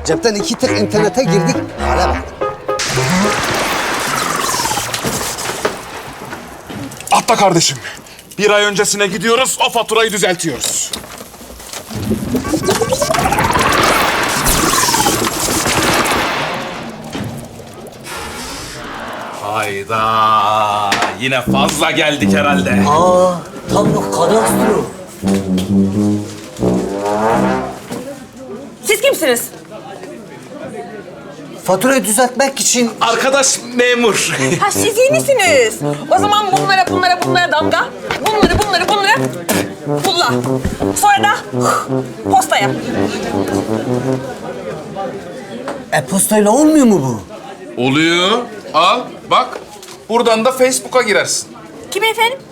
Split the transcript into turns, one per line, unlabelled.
Cepten 2 tık internete girdik. Hale bak.
Atla kardeşim. Bir ay öncesine gidiyoruz, o faturayı düzeltiyoruz. Hayda. Yine fazla geldik herhalde.
Aa, tablo kadastro.
Siz kimsiniz?
Faturayı düzeltmek için
Arkadaş memur.
Ha siz yenisiniz. O zaman bunlara damga. Bunları pulla. Sonra da postaya.
e-postayla olmuyor mu bu?
Oluyor. Al, bak. Buradan da Facebook'a girersin.
Kim efendim?